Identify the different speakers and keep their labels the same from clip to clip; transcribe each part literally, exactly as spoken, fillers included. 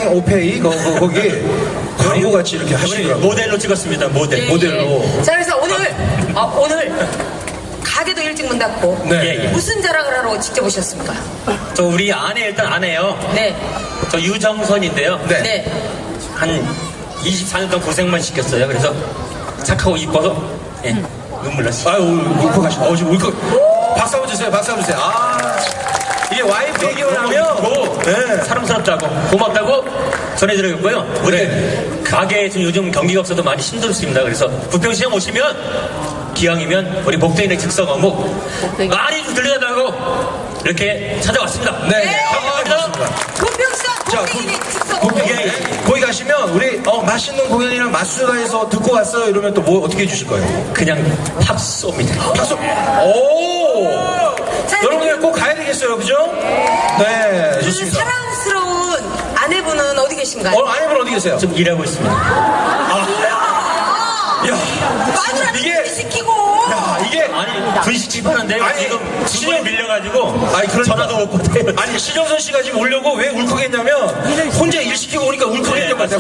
Speaker 1: 사랑의 오페이 거, 거, 거기 광고같이 이렇게 하시더라고요.
Speaker 2: 모델로 찍었습니다. 모델.
Speaker 1: 네. 모델로.
Speaker 3: 자, 그래서 오늘, 어, 오늘 가게도 일찍 문 닫고
Speaker 1: 네.
Speaker 2: 예, 예.
Speaker 3: 무슨 자랑을 하러 직접 오셨습니까?
Speaker 2: 저 우리 아내 일단 아내요.
Speaker 3: 네.
Speaker 2: 저 유정선인데요.
Speaker 1: 네.
Speaker 3: 네.
Speaker 2: 한 이십사 년 동안 고생만 시켰어요. 그래서 착하고 이뻐서 예, 눈물 났어요.
Speaker 1: 아유, 울컥하시네. 어, 지금 울컥. 박수 한번 주세요, 박수 한번 주세요. 아, 이게 와이프 얘기만 하면, 네.
Speaker 2: 사랑스럽다고 고맙다고 전해드렸고요. 우리
Speaker 1: 네.
Speaker 2: 가게에 지금 요즘 경기가 없어도 많이 힘들습니다. 그래서 부평시장 오시면 기왕이면 우리 목동인의 즉석 어묵 많이 좀 들려달라고 이렇게 찾아왔습니다.
Speaker 1: 네.
Speaker 3: 네.
Speaker 1: 감사합니다.
Speaker 3: 고평시장
Speaker 1: 자,
Speaker 3: 고평이네 직접
Speaker 1: 거기,
Speaker 2: 예, 예.
Speaker 1: 거기 가시면 우리 어, 맛있는 공연이랑 맛수다에서 듣고 왔어요 이러면 또 뭐 어떻게 해주실 거예요?
Speaker 2: 그냥 팝 쏩니다.
Speaker 1: 박수. 오.
Speaker 3: 자,
Speaker 1: 여러분들 꼭 가야 되겠어요, 그죠? 네,
Speaker 3: 그
Speaker 1: 좋습니다.
Speaker 3: 사랑스러운 아내분은 어디 계신가요?
Speaker 1: 어, 아내분 어디 계세요?
Speaker 2: 좀 일하고 있습니다.
Speaker 1: 야,
Speaker 3: 마누라를
Speaker 1: 이게-
Speaker 3: 시키고
Speaker 1: 야, 이게
Speaker 2: 아니 분식 집하는데
Speaker 1: 아니,
Speaker 2: 지금
Speaker 1: 신용-
Speaker 2: 주문이 밀려가지고
Speaker 1: 아니, 그러니까.
Speaker 2: 전화도 못 받아요.
Speaker 1: 아니 신정선 씨가 지금 오려고 왜 울컥했냐면 혼자 일 시키고 오니까 울컥했단 말이야.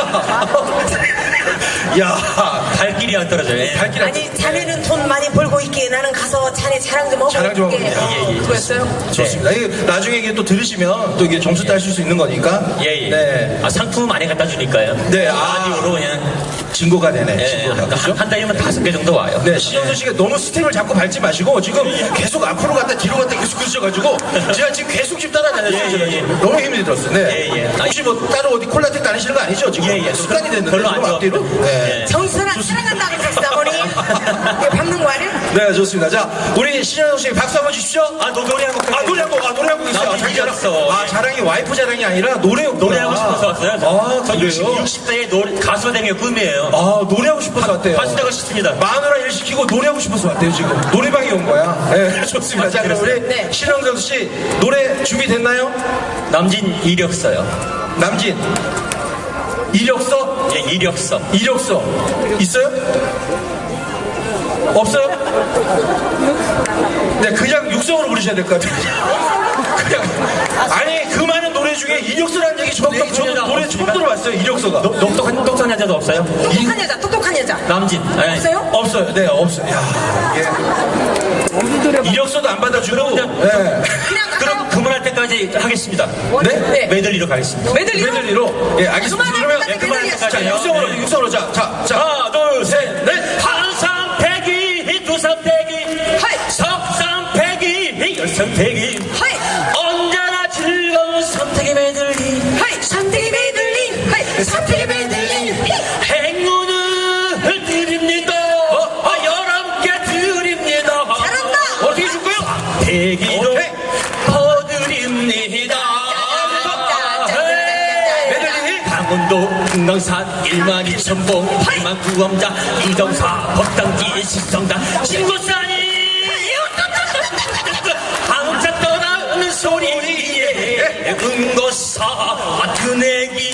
Speaker 1: 야,
Speaker 2: 갈 길이 안 떨어져요. 예.
Speaker 1: 발길 안
Speaker 3: 아니 자네는 돈 많이 벌고 있기에 나는 가서 자네 자랑 좀 하고
Speaker 1: 자랑 좀 하고
Speaker 3: 올게.
Speaker 1: 올게요.
Speaker 2: 예, 예,
Speaker 3: 그랬어요?
Speaker 1: 좋습니다. 이게 나중에 이게 또 들으시면 또 이게 점수 따실 수 있는 거니까.
Speaker 2: 예, 예.
Speaker 1: 네.
Speaker 2: 아, 상품 많이 갖다 주니까요.
Speaker 1: 네, 아.
Speaker 2: 라디오로 그냥.
Speaker 1: 진고가 되네.
Speaker 2: 예,
Speaker 1: 진고가.
Speaker 2: 한,
Speaker 1: 그렇죠?
Speaker 2: 한 달이면 다섯 개 정도 와요.
Speaker 1: 네, 신영선 씨가 너무 스텝을 자꾸 밟지 마시고 지금 계속 앞으로 갔다 뒤로 갔다 계속 그러셔가지고 제가 지금 계속 지금 따라다녔어요.
Speaker 2: 예,
Speaker 1: 제가
Speaker 2: 예,
Speaker 1: 지금. 너무 힘이 들었어요. 네.
Speaker 2: 예, 예.
Speaker 1: 혹시 뭐 따로 어디 콜라텍 다니시는 거 아니죠? 지금
Speaker 2: 예, 예.
Speaker 1: 습관이 됐는데
Speaker 2: 별로 안
Speaker 1: 지금 앞뒤로.
Speaker 2: 좋아합니다.
Speaker 1: 네.
Speaker 2: 예.
Speaker 3: 정선아 사랑한다 그랬어 어머니. 이거 밟는 거 아니야?
Speaker 1: 네, 좋습니다. 자, 우리 신영선 씨 박수 한번 주십시오.
Speaker 2: 아, 너 노래 한 곡.
Speaker 1: 아, 노래 한 곡, 아, 노래 한 곡 있어요. 아,
Speaker 2: 남편이
Speaker 1: 자기 자랑.
Speaker 2: 이겼어.
Speaker 1: 아, 자랑이 와이프 자랑이 아니라 노래였구나.
Speaker 2: 노래하고 싶어서 왔어요.
Speaker 1: 아,
Speaker 2: 저 육십,
Speaker 1: 그래요?
Speaker 2: 육십 대에 노래, 가수가 되는 게 꿈이에요.
Speaker 1: 아, 노래하고 싶어서 왔대요.
Speaker 2: 가수되고 싶습니다.
Speaker 1: 마누라 일 시키고 노래하고 싶어서 왔대요, 지금. 노래방에 온 거야. 네, 좋습니다. 자, 그럼 우리
Speaker 3: 네.
Speaker 1: 신영선 씨 노래 준비됐나요?
Speaker 2: 남진 이력서요.
Speaker 1: 남진. 이력서?
Speaker 2: 예, 이력서.
Speaker 1: 이력서. 있어요? 없어요? 네, 그냥 육성으로 부르셔야 될 것 같아요. 그냥. 아니, 그 많은 노래 중에 이력서라는 얘기 저도, 저도 노래 처음 들어봤어요, 이력서가.
Speaker 2: 똑- 똑똑한, 똑똑한 여자도 없어요?
Speaker 3: 똑똑한 여자 똑똑한 여자
Speaker 2: 남진. 예.
Speaker 3: 없어요?
Speaker 1: 없어요. 네, 없어요. 야, 이게. 이력서도 안 받아주고. 네.
Speaker 3: 그냥
Speaker 2: 그럼
Speaker 3: 갈까요?
Speaker 2: 그만할 때까지 하겠습니다.
Speaker 1: 네?
Speaker 3: 네.
Speaker 2: 메들리로 가겠습니다.
Speaker 3: 메들리로?
Speaker 1: 메들리로. 예, 알겠습니다.
Speaker 3: 그만할
Speaker 1: 그러면
Speaker 3: 때까지
Speaker 2: 예, 그만할
Speaker 3: 메들리
Speaker 2: 때까지
Speaker 1: 자,
Speaker 2: 해요.
Speaker 1: 육성으로,
Speaker 2: 네.
Speaker 1: 육성으로. 자, 자, 자.
Speaker 2: 하나, 둘, 셋,
Speaker 1: 넷.
Speaker 2: 한삼 백이, 두삼 백이,
Speaker 3: 하이.
Speaker 2: 석삼 백이, 열삼 백이.
Speaker 3: 하이.
Speaker 2: 언제나 즐거운 선택의 메들리.
Speaker 3: 하이 삼대기 메들리 하이 삼대기 메들리
Speaker 2: 행운을 드립니다. 어, 어, 여러분께 드립니다.
Speaker 3: 잘한다.
Speaker 1: 어떻게 줄 거예요?
Speaker 2: 대기로
Speaker 1: 오케이.
Speaker 2: 퍼드립니다.
Speaker 1: 메들리.
Speaker 2: 강원도 금강산 일만 이천 봉 팔만 구엄자 이정사 법당기 식성당 신고산이 항상 떠나는 소리에 은고사 드내기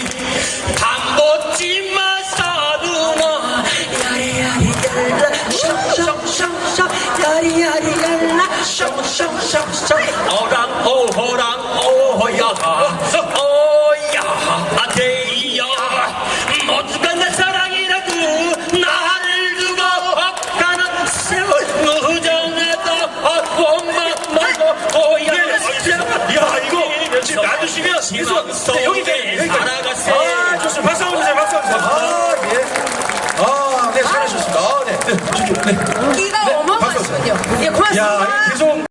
Speaker 2: 담보지마 사두나 야리야리얄라 샹샹샹샹 야리야리얄라 샹샹샹샹 어랑 오호랑 오호야 오야 아대야 모두가 내 사랑이라고 나를 두고 가는 세월 무정해도 원망 말고 오야
Speaker 1: 야, 이거 지금 놔두시면 계속. 네, 여기 계세요. 여기까지.
Speaker 2: 살아갔어요.
Speaker 1: 아, 좋습니다. 박수 한번 주세요. 박수 한번 주세요. 아, 예. 아, 네, 잘하셨습니다. 아, 네. 네, 저기, 네.
Speaker 3: 기가
Speaker 1: 네,
Speaker 3: 어마어마하시군요 예 고맙습니다
Speaker 1: 야, 계속.